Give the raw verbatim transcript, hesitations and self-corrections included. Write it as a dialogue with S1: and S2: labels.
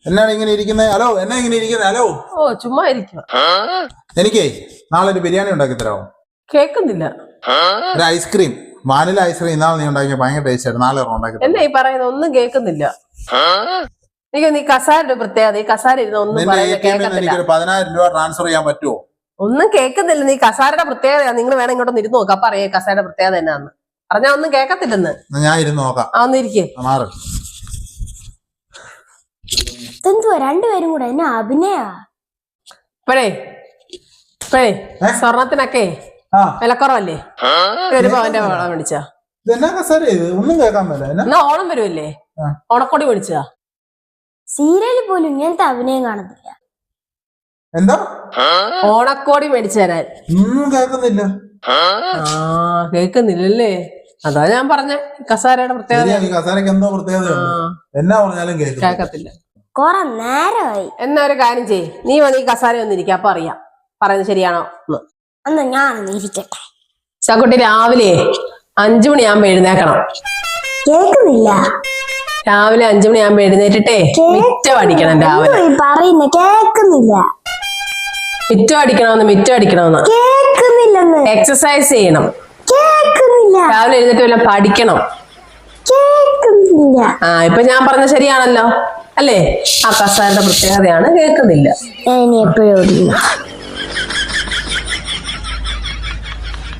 S1: എന്നാണ് ഇങ്ങനെ ഇരിക്കുന്നത്? ഹലോ, എന്നാ ഇങ്ങനെ ഇരിക്കുന്നത്? ഹലോ.
S2: ഓ ചുമ്മാ ഇരിക്കുക.
S1: എനിക്കേ നാളെ ഒരു ബിരിയാണി ഉണ്ടാക്കി തരാമോ?
S2: കേക്കുന്നില്ല.
S1: ഒരു ഐസ്ക്രീം, വാനില ഐസ്ക്രീം ഇന്നാൾ നീ ഉണ്ടാക്കിയ ഭയങ്കര ടേസ്റ്റ് ആയിരുന്നു. നാളെ ഉണ്ടാക്കി.
S2: എന്നാ ഈ പറയുന്നത്? ഒന്നും കേൾക്കുന്നില്ല. എനിക്ക് നീ കസാരയുടെ പ്രത്യേകത, ഈ കസാര ഇരുന്ന് ഒന്നും
S1: എനിക്കൊരു പതിനായിരം രൂപ ട്രാൻസ്ഫർ ചെയ്യാൻ പറ്റുമോ?
S2: ഒന്നും കേൾക്കുന്നില്ല. നീ കസാരയുടെ പ്രത്യേകത നിങ്ങൾ വേണം ഇങ്ങോട്ടൊന്ന് ഇരുന്ന് നോക്കാം. അപ്പൊ അറിയാം കസാരയുടെ പ്രത്യേകത എന്നാന്ന്. പറഞ്ഞാ ഒന്നും കേൾക്കത്തില്ലെന്ന്.
S1: ഞാൻ ഇരുന്ന് നോക്കാം.
S2: ആ ഒന്ന് ഇരിക്കേ.
S3: എന്തുവാ രണ്ടുപേരും കൂടെ എന്നെ അഭിനയ?
S2: ഇപ്പഴേ ഇപ്പഴേ സ്വർണത്തിനൊക്കെ വിലക്കുറവല്ലേ? ഒരു പവന്റെ വളം മേടിച്ചാ.
S1: ഒന്നും കേൾക്കാൻ പറ്റില്ല.
S2: എന്നാ ഓണം വരുമല്ലേ, ഓണക്കോടി മേടിച്ചാ.
S3: സീരിയലിൽ പോലും ഇങ്ങനത്തെ അഭിനയം കാണത്തില്ല.
S1: എന്താ?
S2: ഓണക്കോടി മേടിച്ചു തരാൻ.
S1: ഒന്നും കേൾക്കുന്നില്ല.
S2: ആ കേക്കുന്നില്ലല്ലേ? അതാ ഞാൻ പറഞ്ഞ കസാരയുടെ പ്രത്യേകത.
S1: കസാരക്ക് എന്തോ പ്രത്യേകത എന്നാ പറഞ്ഞാലും
S2: കേക്കത്തില്ല.
S3: കൊറേ നേരമായി.
S2: എന്നാ ഒരു കാര്യം ചെയ്യ്, നീ വന്ന് ഈ കസാര ഒന്നും ഇരിക്കുക. അപ്പൊ അറിയാം പറയുന്നത് ശരിയാണോ
S3: എന്നാ ഞാനൊന്ന് ഇരിക്കട്ടെ.
S2: ചക്കുട്ടി രാവിലെ അഞ്ചു മണിയാകുമ്പോ എഴുന്നേക്കണം.
S3: കേക്കുന്നില്ല.
S2: രാവിലെ അഞ്ചു മണിയാകുമ്പോ എഴുന്നേറ്റിട്ടേ മിറ്റം അടിക്കണം. രാവിലെ
S3: പറയുന്ന കേക്കുന്നില്ല.
S2: മിറ്റം അടിക്കണമെന്ന് മിറ്റം അടിക്കണമെന്ന്
S3: കേക്കുന്നില്ലെന്ന്.
S2: എക്സസൈസ് ചെയ്യണം.
S3: കേക്കുന്നില്ല.
S2: രാവിലെ എഴുന്നേറ്റ് വല്ല പഠിക്കണം.
S3: കേക്കുന്നില്ല.
S2: ആ ഇപ്പൊ ഞാൻ പറഞ്ഞ ശരിയാണല്ലോ അല്ലേ? ആ കസാരയുടെ പ്രത്യേകതയാണ് കേൾക്കുന്നില്ല.
S3: ഞാൻ എപ്പോഴും